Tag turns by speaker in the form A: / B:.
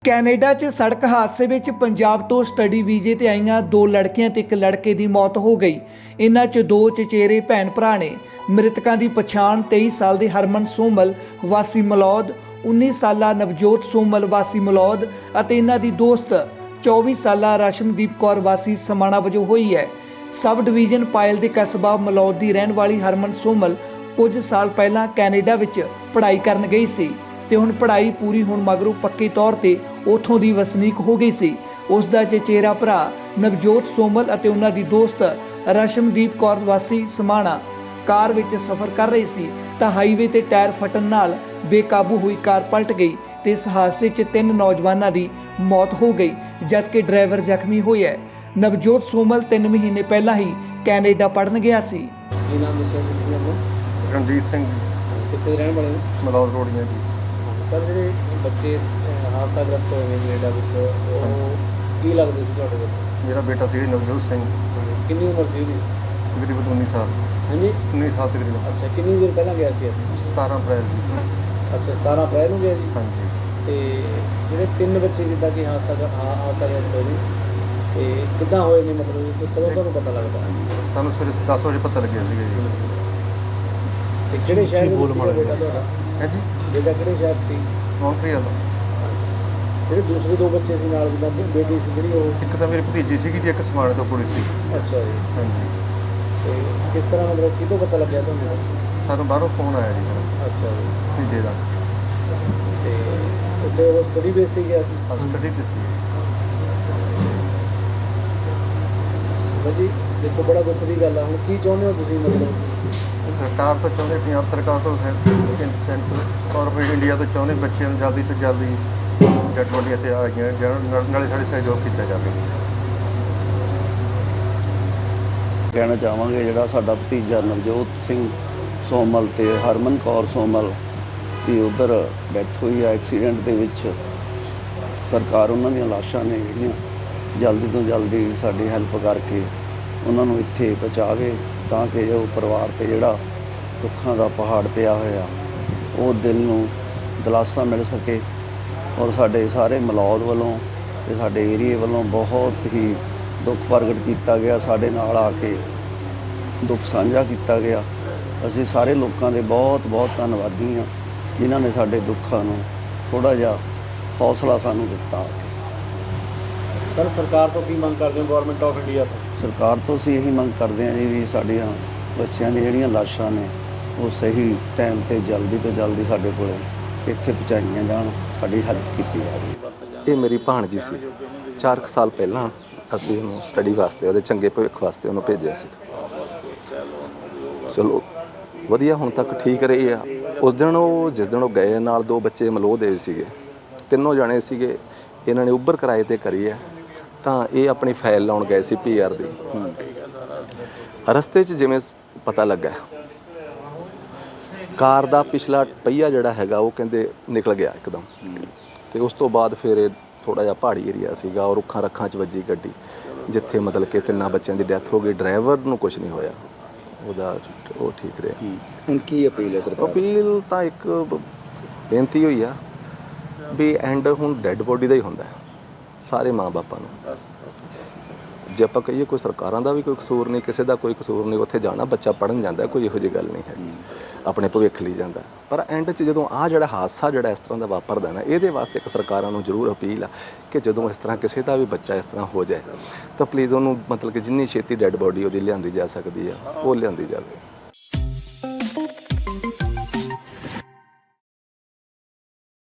A: Canada 'ਚ ਸੜਕ ਹਾਦਸੇ ਵਿੱਚ ਪੰਜਾਬ ਤੋਂ ਸਟੱਡੀ ਵੀਜ਼ੇ ਤੇ ਆਈਆਂ 2 ਲੜਕੀਆਂ ਤੇ 1 ਲੜਕੇ ਦੀ ਮੌਤ ਹੋ ਗਈ। ਇਨ੍ਹਾਂ 'ਚ 2 ਚਚੇਰੇ ਭੈਣ ਭਰਾ ਨੇ। ਮ੍ਰਿਤਕਾਂ ਦੀ ਪਛਾਣ 23 ਸਾਲ ਦੇ ਹਰਮਨ ਸੋਮਲ ਵਾਸੀ ਮਲੌਦ, 19 ਸਾਲਾ ਨਵਜੋਤ ਸੋਮਲ ਵਾਸੀ ਮਲੌਦ ਅਤੇ ਇਹਨਾਂ ਦੀ ਦੋਸਤ 24 ਸਾਲਾ ਰਸ਼ਮਦੀਪ ਕੌਰ ਵਾਸੀ ਸਮਾਣਾ ਵਜੋਂ ਹੋਈ ਹੈ। ਸਬ ਡਿਵੀਜ਼ਨ ਪਾਇਲ ਦੇ ਕਸਬਾ ਮਲੌਦ ਦੀ ਰਹਿਣ ਵਾਲੀ ਹਰਮਨ ਸੋਮਲ ਕੁਝ ਸਾਲ ਪਹਿਲਾਂ ਕੈਨੇਡਾ ਵਿੱਚ ਪੜ੍ਹਾਈ ਕਰਨ ਗਈ ਸੀ ਤੇ ਹੁਣ ਪੜ੍ਹਾਈ ਪੂਰੀ ਹੋਣ ਮਗਰੋਂ ਪੱਕੇ ਤੌਰ ਤੇ ਉੱਥੋਂ ਦੀ ਵਸਨੀਕ ਹੋ ਗਈ ਸੀ। ਉਸ ਦਾ ਚਚੇਰਾ ਭਰਾ ਨਵਜੋਤ ਸੋਮਲ ਅਤੇ ਉਹਨਾਂ ਦੀ ਦੋਸਤ ਰਸ਼ਮਦੀਪ ਕੌਰ ਵਾਸੀ ਸਮਾਣਾ ਕਾਰ ਵਿੱਚ ਸਫ਼ਰ ਕਰ ਰਹੀ ਸੀ ਤਾਂ ਹਾਈਵੇ ਤੇ ਟਾਇਰ ਫਟਣ ਨਾਲ ਬੇਕਾਬੂ ਹੋਈ ਕਾਰ ਪਲਟ ਗਈ ਤੇ ਇਸ ਹਾਦਸੇ 'ਚ 3 ਨੌਜਵਾਨਾਂ ਦੀ ਮੌਤ ਹੋ ਗਈ ਜਦਕਿ ਡਰਾਈਵਰ ਜ਼ਖਮੀ ਹੋਇਆ। ਨਵਜੋਤ ਸੋਮਲ 3 ਮਹੀਨੇ ਪਹਿਲਾਂ ਹੀ ਕੈਨੇਡਾ ਪੜ੍ਹਨ ਗਿਆ ਸੀ।
B: ਕੀ ਨਾਮ ਦੱਸਿਆ ਸੀ ਤੁਸੀਂ ਆਪਣਾ?
C: ਰਣਜੀਤ ਸਿੰਘ
B: ਕਿੱਥੇ ਰਹਿਣ ਵਾਲੇ ਹੋ?
C: ਮਲੌਦ ਰੋੜੀਆਂ ਜੀ।
B: ਸਰ ਜਿਹੜੇ ਬੱਚੇ ਹਾਦਸਾਗ੍ਰਸਤ ਹੋਏ ਨੇ ਕੈਨੇਡਾ ਵਿੱਚ, ਉਹ ਕੀ ਲੱਗਦੇ ਸੀ ਤੁਹਾਡੇ ਕੋਲ?
C: ਮੇਰਾ ਬੇਟਾ ਸੀ ਨਵਜੋਤ ਸਿੰਘ,
B: ਕਿੰਨੀ ਉਮਰ ਸੀ ਉਹਦੀ?
C: ਤਕਰੀਬਨ 19 ਸਾਲ।
B: ਹਾਂਜੀ
C: 19 ਸਾਲ ਤਕਰੀਬਨ।
B: ਅੱਛਾ, ਕਿੰਨੀ ਦੇਰ ਪਹਿਲਾਂ ਗਿਆ ਸੀ ਇੱਥੇ?
C: 17 ਅਪ੍ਰੈਲ ਜੀ।
B: ਅੱਛਾ, 17 ਅਪ੍ਰੈਲ ਨੂੰ ਗਿਆ ਜੀ।
C: ਹਾਂਜੀ।
B: ਤੇ ਜਿਹੜੇ 3 ਬੱਚੇ ਜਿੱਦਾਂ ਕਿ ਹਾਦਸਾਗ੍ਰਸਤ ਹੋਏ ਨੇ ਤੇ ਕਿੱਦਾਂ ਹੋਏ ਨੇ, ਮਤਲਬ ਕਿ ਕਦੋਂ ਤੁਹਾਨੂੰ ਪਤਾ ਲੱਗਦਾ?
C: ਸਾਨੂੰ ਸਵੇਰੇ 10 ਵਜੇ ਪਤਾ ਲੱਗਿਆ ਸੀਗਾ ਜੀ।
B: ਤੇ ਕਿਹੜੇ ਸ਼ਹਿਰ ਦੇ ਵਿੱਚ ਸੀਗਾ ਬੇਟਾ ਤੁਹਾਡਾ?
C: ਹੈ ਜੀ,
B: ਬੇਟਾ ਕਿਹੜੇ ਸ਼ਹਿਰ ਸੀ?
C: ਮੌਂਟਰੀਅਲ।
B: ਜਿਹੜੇ ਦੂਸਰੇ 2 ਬੱਚੇ ਸੀ ਨਾਲ, ਜਿੱਦਾਂ ਬੇਟੀ ਸੀ ਜਿਹੜੀ, ਉਹ?
C: ਇੱਕ ਤਾਂ ਮੇਰੀ ਭਤੀਜੀ ਸੀਗੀ ਜੀ, ਇੱਕ ਸਮਾਣੇ ਤੋਂ ਕੁੜੀ ਸੀ।
B: ਅੱਛਾ ਜੀ।
C: ਹਾਂਜੀ।
B: ਤੇ ਕਿਸ ਤਰ੍ਹਾਂ, ਮਤਲਬ ਕਿਦੋਂ ਪਤਾ ਲੱਗਿਆ ਤੁਹਾਨੂੰ?
C: ਸਾਨੂੰ ਬਾਹਰੋਂ ਫੋਨ ਆਇਆ ਜੀ ਫਿਰ
B: ਅੱਛਾ ਜੀ।
C: ਭਤੀਜੇ ਦਾ।
B: ਤੇ ਉੱਥੇ ਉਹ ਸਟੱਡੀ ਬੇਸ ਤੇ ਗਿਆ ਸੀ?
C: ਸਟੱਡੀ ਤੇ ਸੀ।
B: ਭਾਜੀ ਦੇਖੋ, ਬੜਾ ਦੁੱਖ ਦੀ ਗੱਲ ਆ। ਹੁਣ ਕੀ ਚਾਹੁੰਦੇ ਹੋ ਤੁਸੀਂ? ਮਤਲਬ
C: ਸਰਕਾਰ ਤੋਂ ਚਾਹੁੰਦੇ, ਪੰਜਾਬ ਸਰਕਾਰ ਤੋਂ, ਸੈਂਟਰ ਗੌਰਮੈਂਟ ਇੰਡੀਆ ਤੋਂ ਚਾਹੁੰਦੇ ਬੱਚਿਆਂ ਨੂੰ ਜਲਦੀ ਤੋਂ ਜਲਦੀ ਡੈਡ ਬੋਡੀ ਇੱਥੇ ਆ ਗਈਆਂ, ਨਾਲੇ ਸਾਡੇ ਸਹਿਯੋਗ ਕੀਤਾ ਜਾਵੇ।
D: ਕਹਿਣਾ ਚਾਹਾਂਗੇ ਜਿਹੜਾ ਸਾਡਾ ਭਤੀਜਾ ਨਵਜੋਤ ਸਿੰਘ ਸੋਮਲ ਤੇ ਹਰਮਨ ਕੌਰ ਸੋਮਲ ਦੀ ਉੱਧਰ ਡੈਥ ਹੋਈ ਹੈ ਐਕਸੀਡੈਂਟ ਦੇ ਵਿੱਚ। ਸਰਕਾਰ ਉਹਨਾਂ ਦੀਆਂ ਲਾਸ਼ਾਂ ਨੇ ਜਿਹੜੀਆਂ ਜਲਦੀ ਤੋਂ ਜਲਦੀ ਸਾਡੀ ਹੈਲਪ ਕਰਕੇ ਉਹਨਾਂ ਨੂੰ ਇੱਥੇ ਪਹੁੰਚਾਵੇ ਤਾਂ ਕਿ ਜੋ ਪਰਿਵਾਰ 'ਤੇ ਜਿਹੜਾ ਦੁੱਖਾਂ ਦਾ ਪਹਾੜ ਪਿਆ ਹੋਇਆ ਉਹ ਦਿਲ ਨੂੰ ਦਿਲਾਸਾ ਮਿਲ ਸਕੇ। ਔਰ ਸਾਡੇ ਸਾਰੇ ਮਲੌਦ ਵੱਲੋਂ ਤੇ ਸਾਡੇ ਏਰੀਏ ਵੱਲੋਂ ਬਹੁਤ ਹੀ ਦੁੱਖ ਪ੍ਰਗਟ ਕੀਤਾ ਗਿਆ। ਸਾਡੇ ਨਾਲ ਆ ਕੇ ਦੁੱਖ ਸਾਂਝਾ ਕੀਤਾ ਗਿਆ। ਅਸੀਂ ਸਾਰੇ ਲੋਕਾਂ ਦੇ ਬਹੁਤ ਬਹੁਤ ਧੰਨਵਾਦੀ ਹਾਂ ਜਿਨ੍ਹਾਂ ਨੇ ਸਾਡੇ ਦੁੱਖਾਂ ਨੂੰ ਥੋੜ੍ਹਾ ਜਿਹਾ ਹੌਸਲਾ ਸਾਨੂੰ ਦਿੱਤਾ।
B: ਸਰ, ਸਰਕਾਰ ਤੋਂ ਕੀ ਮੰਗ ਕਰਦੇ ਹੋ, ਗਵਰਨਮੈਂਟ ਆਫ ਇੰਡੀਆ ਤੋਂ?
D: ਸਰਕਾਰ ਤੋਂ ਅਸੀਂ ਇਹੀ ਮੰਗ ਕਰਦੇ ਹਾਂ ਜੀ ਵੀ ਸਾਡੀਆਂ ਬੱਚਿਆਂ ਦੀਆਂ ਜਿਹੜੀਆਂ ਲਾਸ਼ਾਂ ਨੇ ਉਹ ਸਹੀ ਟਾਈਮ 'ਤੇ ਜਲਦੀ ਤੋਂ ਜਲਦੀ ਸਾਡੇ ਕੋਲ ਇੱਥੇ ਪਹੁੰਚਾਈਆਂ ਜਾਣ, ਸਾਡੀ ਹੈਲਪ ਕੀਤੀ ਜਾਵੇ।
E: ਇਹ ਮੇਰੀ ਭਾਣਜੀ ਸੀ। 4 ਸਾਲ ਪਹਿਲਾਂ ਅਸੀਂ ਉਹਨੂੰ ਸਟੱਡੀ ਵਾਸਤੇ, ਉਹਦੇ ਚੰਗੇ ਭਵਿੱਖ ਵਾਸਤੇ ਉਹਨੂੰ ਭੇਜਿਆ ਸੀ। ਚਲੋ ਵਧੀਆ, ਹੁਣ ਤੱਕ ਠੀਕ ਰਹੀ ਆ। ਉਸ ਦਿਨ ਜਿਸ ਦਿਨ ਉਹ ਗਏ, ਨਾਲ 2 ਬੱਚੇ ਮਲੋਹ ਦੇ ਸੀਗੇ, 3 ਜਾਣੇ ਸੀਗੇ। ਇਹਨਾਂ ਨੇ ਉਬਰ ਕਿਰਾਏ 'ਤੇ ਕਰੀ ਹੈ ਤਾਂ ਇਹ ਆਪਣੀ ਫਾਈਲ ਲਾਉਣ ਗਏ ਸੀ PR ਦੀ। ਰਸਤੇ 'ਚ ਜਿਵੇਂ ਪਤਾ ਲੱਗਾ ਕਾਰ ਦਾ ਪਿਛਲਾ ਪਹੀਆ ਜਿਹੜਾ ਹੈਗਾ ਉਹ ਕਹਿੰਦੇ ਨਿਕਲ ਗਿਆ ਇੱਕਦਮ। ਤੇ ਉਸ ਤੋਂ ਬਾਅਦ ਫਿਰ ਇਹ ਥੋੜ੍ਹਾ ਜਿਹਾ ਪਹਾੜੀ ਏਰੀਆ ਸੀਗਾ ਔਰ ਰੁੱਖਾਂ ਰੱਖਾਂ 'ਚ ਵੱਜੀ ਗੱਡੀ, ਜਿੱਥੇ ਮਤਲਬ ਕਿ 3 ਬੱਚਿਆਂ ਦੀ ਡੈਥ ਹੋ ਗਈ। ਡਰਾਈਵਰ ਨੂੰ ਕੁਝ ਨਹੀਂ ਹੋਇਆ, ਉਹਦਾ ਉਹ ਠੀਕ ਰਿਹਾ।
D: ਹੁਣ ਕੀ ਅਪੀਲ ਹੈ ਸਰਕਾਰ?
E: ਅਪੀਲ ਤਾਂ ਇੱਕ ਬੇਨਤੀ ਹੋਈ ਆ ਵੀ ਐਂਡ ਹੁਣ ਡੈੱਡ ਬੋਡੀ ਦਾ ਹੀ ਹੁੰਦਾ ਸਾਰੇ ਮਾਂ ਬਾਪਾਂ ਨੂੰ। ਜੇ ਆਪਾਂ ਕਹੀਏ ਕੋਈ ਸਰਕਾਰਾਂ ਦਾ ਵੀ ਕੋਈ ਕਸੂਰ ਨਹੀਂ, ਕਿਸੇ ਦਾ ਕੋਈ ਕਸੂਰ ਨਹੀਂ। ਉੱਥੇ ਜਾਣਾ, ਬੱਚਾ ਪੜ੍ਹਨ ਜਾਂਦਾ, ਕੋਈ ਇਹੋ ਜਿਹੀ ਗੱਲ ਨਹੀਂ ਹੈ, ਆਪਣੇ ਭਵਿੱਖ ਲਈ ਜਾਂਦਾ। ਪਰ ਐਂਡ 'ਚ ਜਦੋਂ ਜਿਹੜਾ ਹਾਦਸਾ ਜਿਹੜਾ ਇਸ ਤਰ੍ਹਾਂ ਦਾ ਵਾਪਰਦਾ ਨਾ, ਇਹਦੇ ਵਾਸਤੇ ਇੱਕ ਸਰਕਾਰਾਂ ਨੂੰ ਜ਼ਰੂਰ ਅਪੀਲ ਆ ਕਿ ਜਦੋਂ ਇਸ ਤਰ੍ਹਾਂ ਕਿਸੇ ਦਾ ਵੀ ਬੱਚਾ ਇਸ ਤਰ੍ਹਾਂ ਹੋ ਜਾਏ ਤਾਂ ਪਲੀਜ਼ ਉਹਨੂੰ ਮਤਲਬ ਕਿ ਜਿੰਨੀ ਛੇਤੀ ਡੈੱਡ ਬੋਡੀ ਉਹਦੀ ਲਿਆਂਦੀ ਜਾ ਸਕਦੀ ਆ ਉਹ ਲਿਆਂਦੀ ਜਾਵੇ।